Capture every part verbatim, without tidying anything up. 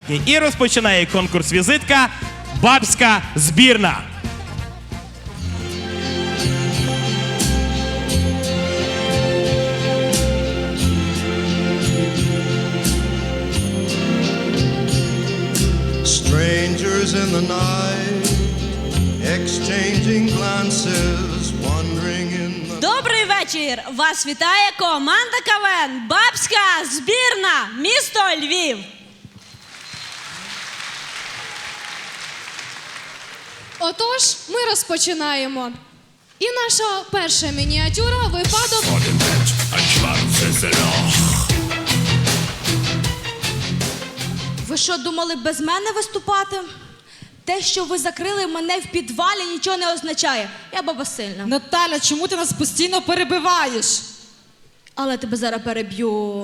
візитки. І розпочинає конкурс візитка «Бабська збірна». Strangers in the night, exchanging glances, wandering in the... Добрий вечір! Вас вітає команда КВН «Бабська збірна», місто Львів. Отож, ми розпочинаємо. І наша перша мініатюра – випадок... Ви що, думали без мене виступати? Те, що ви закрили мене в підвалі, нічого не означає. Я баба сильна. Наталя, чому ти нас постійно перебиваєш? Але тебе зараз переб'ю.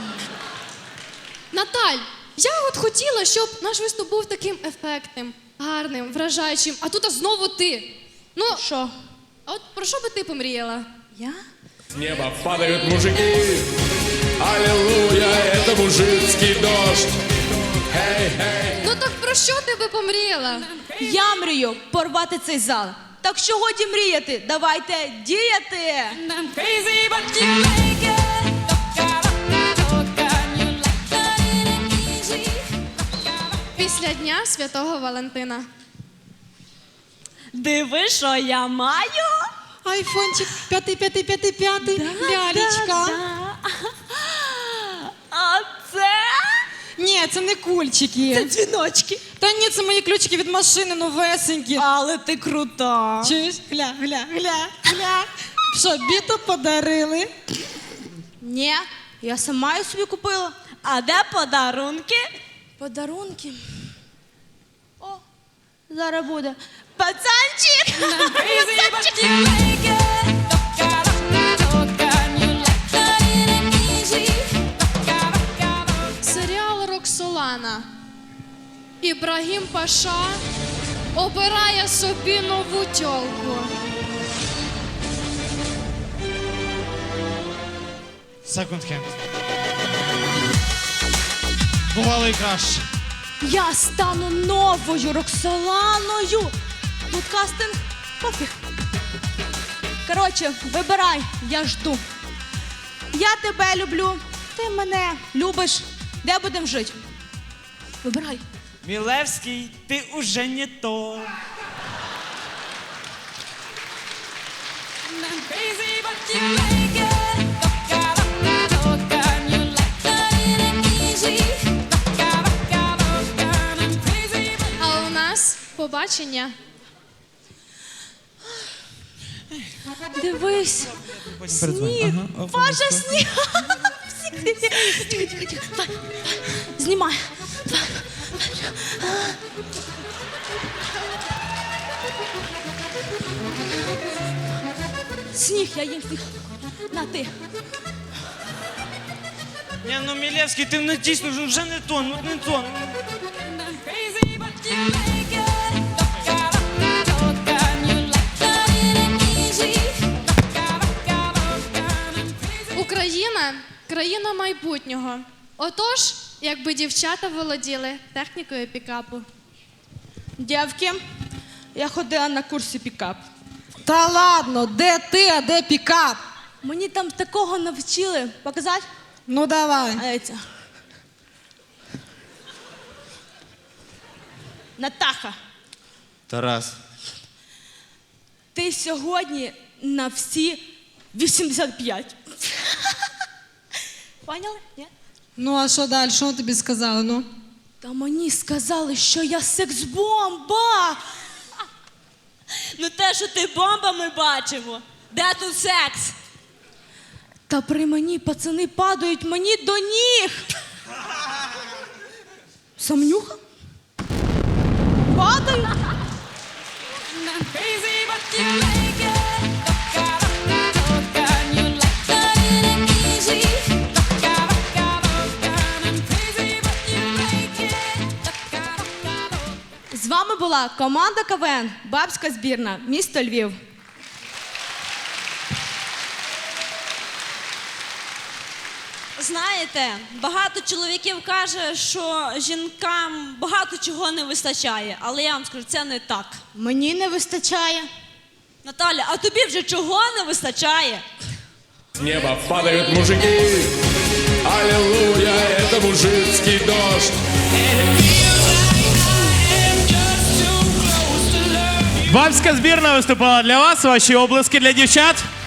Наталь, я от хотіла, щоб наш виступ був таким ефектним, гарним, вражаючим, а тут а знову ти. Ну, Що? а от про що би ти помріяла? Я? С неба падают мужики, аллилуйя, это мужицкий дождь. Хей, хей. Ну так про що ти би помріяла? Я мрію порвати цей зал. Так що годі мріяти, давайте діяти. Після Дня Святого Валентина. Диви, що я маю. Айфончик п'ятий, п'ятий, п'ятий, п'ятий, лялечка. А це? Ні, це не кульчики. Це дзвіночки. Та ні, це мої ключики від машини, новесенькі. Але ти крута. Чуєш? Гля, гля, гля, гля. Що, біту подарили? Ні, я сама її собі купила. А де подарунки? Подарунки? О, зараз буде. Пацанчик! Пацанчик! Серіал «Роксолана». Ібрагім Паша обирає собі нову тьолку. Секонд-хенд. Бувало і краще. Я стану новою Роксоланою. Тут кастинг пофіг. Коротше, вибирай, я жду. Я тебе люблю, ти мене любиш. Де будемо жити? Вибирай. Милевский, ты уже не то. А у нас побачення. Дивись. Сніг. Паша, сніг. Знімай. Сніг, я їм сніг. На, ти. Не, ну Милевский, ты ну дійсно вже вже не то, ну не то. Україна – країна майбутнього. Отож, якби дівчата володіли технікою пікапу. Дівки, я ходила на курси пікап. Та ладно, де ти, а де пікап? Мені там такого навчили. Показати? Ну давай. А це. Натаха, Тарас. ти сьогодні на всі вісімдесят п'ять. Поняли? Ні? Ну а що далі? Що тобі сказали? Ну? Та мені сказали, що я секс-бомба. Ну те, що ти бомба, ми бачимо. Де тут секс? Та при мені пацани падають мені до ніг. Самнюха? Падають? З вами була команда КВН «Бабська збірна», місто Львів. знаєте, багато чоловіків каже, що жінкам багато чого не вистачає, але я вам скажу, це не так. Мені не вистачає. Наталя, а тобі вже чого не вистачає? С неба падают мужики. Аллилуйя, это мужицкий дождь. Бабська збірна виступала для вас. Ваші облески для дівчат.